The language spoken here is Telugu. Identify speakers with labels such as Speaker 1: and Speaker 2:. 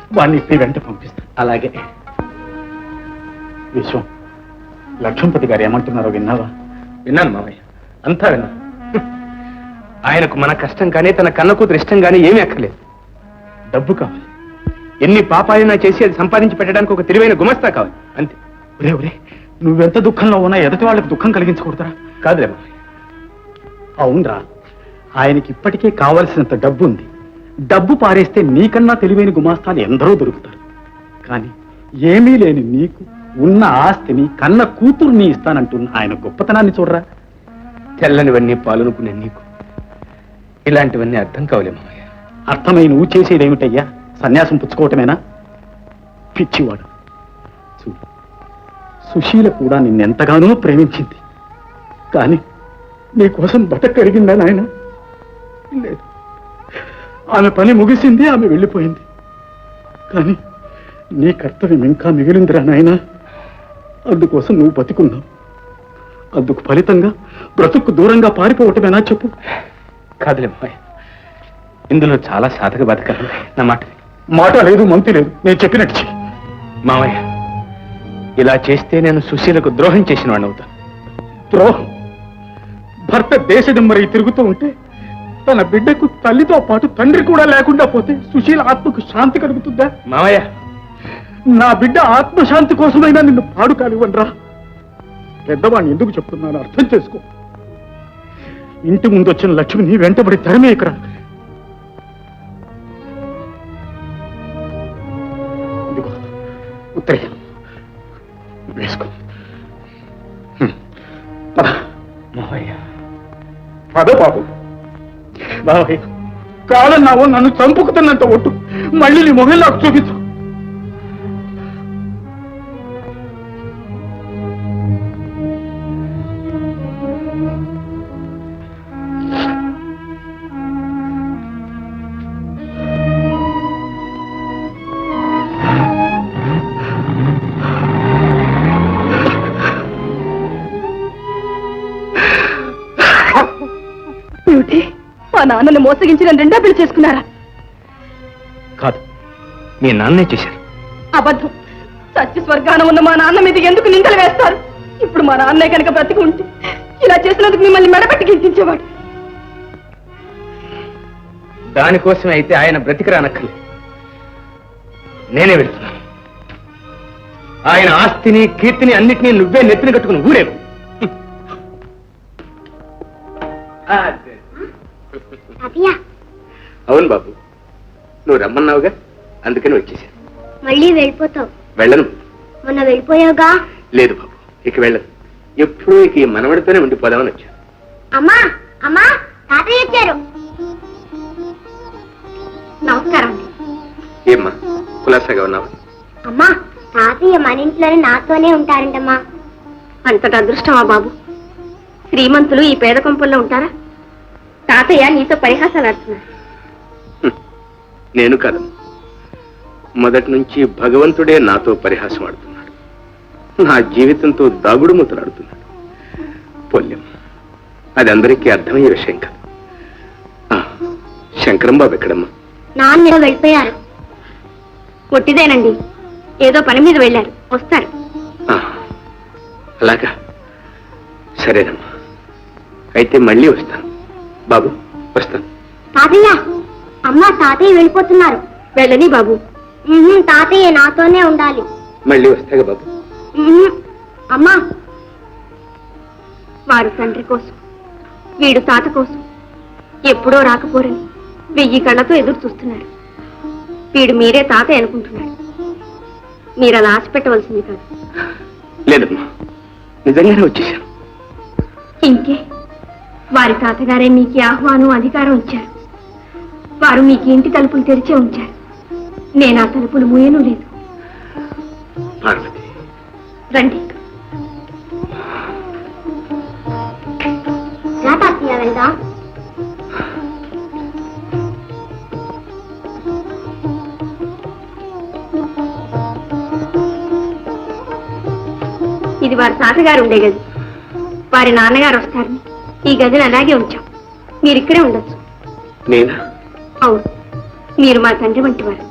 Speaker 1: వాడిని ఇప్పుడు వెంట పంపిస్తాను. అలాగే. విశ్వం, లక్ష్మణపతి గారు ఏమంటున్నారో విన్నావా?
Speaker 2: విన్నాను మామయ్య, అంతా విన్నా. ఆయనకు మన కష్టం కానీ తన కన్న కూతురు ఇష్టం కానీ ఏమీ అక్కర్లేదు.
Speaker 1: డబ్బు కావాలి.
Speaker 2: ఎన్ని పాపాలైనా చేసి అది సంపాదించి పెట్టడానికి ఒక తెలివైన గుమస్తా కావాలి, అంతే.
Speaker 1: ఒరే ఒరే, నువ్వెంత దుఃఖంలో ఉన్నా ఎదుటి వాళ్ళకి దుఃఖం కలిగించకూడదురా.
Speaker 2: కాదులే మామయ్య.
Speaker 1: అవునరా, ఆయనకి ఇప్పటికే కావలసినంత డబ్బు ఉంది. డబ్బు పారేస్తే నీకన్నా తెలివైన గుమాస్తాలు ఎందరో దొరుకుతారు. కానీ ఏమీ లేని నీకు ఉన్న ఆస్తిని కన్న కూతుర్ని ఇస్తానంటున్న ఆయన గొప్పతనాన్ని చూడరా.
Speaker 2: తెల్లనివన్నీ పాలనుకునే నీకు ఇలాంటివన్నీ అర్థం కావలే మామయ్య.
Speaker 1: అర్థమై నువ్వు చేసేదేమిటయ్యా? సన్యాసం పుచ్చుకోవటమేనా? పిచ్చివాడు. చూడు, సుశీల కూడా నిన్నెంతగానో ప్రేమించింది. కానీ నీకోసం బతకరిగిందా నాయన? లేదు. ఆమె పని ముగిసింది, ఆమె వెళ్ళిపోయింది. కానీ నీ కర్తవ్యం ఇంకా మిగిలిందిరా నాయన. అందుకోసం నువ్వు బతికున్నావు. అందుకు ఫలితంగా బ్రతుకు దూరంగా పారిపోవటమేనా చెప్పు?
Speaker 2: కాదులే మామయ్య, ఇందులో చాలా సాధక బతకాలి. నా
Speaker 1: మాట లేదు, మంతి లేదు. నేను చెప్పినట్టు చెయ్యి.
Speaker 2: మామయ్య, ఇలా చేస్తే నేను సుశీలకు ద్రోహం చేసిన వాడిని అవుతాను.
Speaker 1: ద్రోహం? భర్త దేశదిమ్మరై తిరుగుతూ ఉంటే తన బిడ్డకు తల్లితో పాటు తండ్రి కూడా లేకుండా పోతే సుశీల ఆత్మకు శాంతి కలుగుతుందా?
Speaker 2: మామయ్య,
Speaker 1: నా బిడ్డ ఆత్మశాంతి కోసమైనా నిన్ను పాడు కానివ్వనరా. పెద్దవాడిని ఎందుకు చెప్తున్నాను అర్థం చేసుకో. ఇంటి ముందు వచ్చిన లక్ష్మిని వెంటబడి తరిమే ఇక్కడ. ఇదిగో ఉత్తరం వేసుకో.
Speaker 2: మామయ్య,
Speaker 1: పద బాబు. బాబాయ్, కాలన్నావో నన్ను చంపుకుతున్నంత ఒట్టు మళ్ళీ నీ మొహం నాకు చూపించు.
Speaker 3: మా నాన్నను మోసగించిన రెండో పెళ్లి చేసుకున్నారా?
Speaker 2: కాదు, మీ నాన్నే చేశారు.
Speaker 3: అబద్ధం. సత్య స్వర్గాన ఉన్న మా నాన్న మీద ఎందుకు నిందలు వేస్తారు? ఇప్పుడు మా నాన్నే కనుక బ్రతికి ఉంటే ఇలా చేసినందుకు మిమ్మల్ని మెడబెట్టి గించేవాడు.
Speaker 2: దానికోసం అయితే ఆయన బ్రతికిరానక్కర్లేదు. నేనే వెళ్తున్నాను. ఆయన ఆస్తిని కీర్తిని అన్నిటినీ నువ్వే నెత్తిన కట్టుకుని ఊరేగు. అవును బాబు, నువ్వు రమ్మన్నావుగా, అందుకని వచ్చేసాను.
Speaker 4: మళ్ళీ వెళ్ళిపోతావు?
Speaker 2: వెళ్ళను.
Speaker 4: మొన్న వెళ్ళిపోయావుగా?
Speaker 2: లేదు బాబు, ఇక వెళ్ళను. ఎప్పుడూ ఇక ఈ మనవడితోనే ఉండిపోదామని వచ్చాను.
Speaker 4: అమ్మా అమ్మా, తాతయ్య వచ్చారు. నమస్కారం.
Speaker 2: ఏమ్మా కులాసాగా ఉన్నావా?
Speaker 4: అమ్మా, తాతయ్య మన ఇంట్లోనే నాతోనే ఉంటారంటమ్మా.
Speaker 3: అంతటి అదృష్టమా బాబు? శ్రీమంతులు ఈ పేద కొంపల్లో ఉంటారా? తాతయ్య నీతో పరిహాసాలు ఆడుతున్నారు.
Speaker 2: నేను కాదు, మొదటి నుంచి భగవంతుడే నాతో పరిహాసం ఆడుతున్నాడు. నా జీవితంతో దాగుడు మూతలాడుతున్నాడు. పొల్యం, అది అందరికీ అర్థమయ్యే విషయం కాదు. శంకరం బాబు ఎక్కడమ్మా?
Speaker 4: నాన్న వెళ్ళిపోయారు.
Speaker 3: ఒట్టిదేనండి, ఏదో పని మీద వెళ్ళారు, వస్తారు.
Speaker 2: అలాగా, సరేనమ్మా, అయితే మళ్ళీ వస్తాను. బాబు వస్తాను.
Speaker 4: తాతయ్య, అమ్మ తాతయ్య వెళ్ళిపోతున్నారు.
Speaker 3: వెళ్ళని బాబు.
Speaker 4: తాతయ్య నాతోనే ఉండాలి.
Speaker 2: మళ్ళీ వస్తాగా బాబు.
Speaker 4: అమ్మా,
Speaker 3: వారు తండ్రి కోసం, వీడు తాత కోసం ఎప్పుడో రాకపోరని 1000 కళ్ళతో ఎదురు చూస్తున్నాడు. వీడు మీరే తాతయ్య అనుకుంటున్నాడు. మీరు అలా ఆశ పెట్టవలసింది కాదు.
Speaker 2: లేదమ్మా, నిజంగానే వచ్చేసాను.
Speaker 3: ఇంకే, వారి తాతగారే మీకు ఆహ్వానం అధికారం ఇచ్చారు. వారు మీకు ఇంటి తలుపులు తెరిచే ఉంచారు. నేను ఆ తలుపులు మూయను లేదు.
Speaker 2: పార్వతి,
Speaker 3: రండి.
Speaker 4: వెళ్దాం.
Speaker 3: ఇది వారి తాతగారు ఉండే గది. వారి నాన్నగారు వస్తారని ఈ గదిని అలాగే ఉంచాం. మీరు ఇక్కడే ఉండొచ్చు.
Speaker 2: నేనా?
Speaker 3: అవును, మీరు మా తండ్రి వంటి వారు.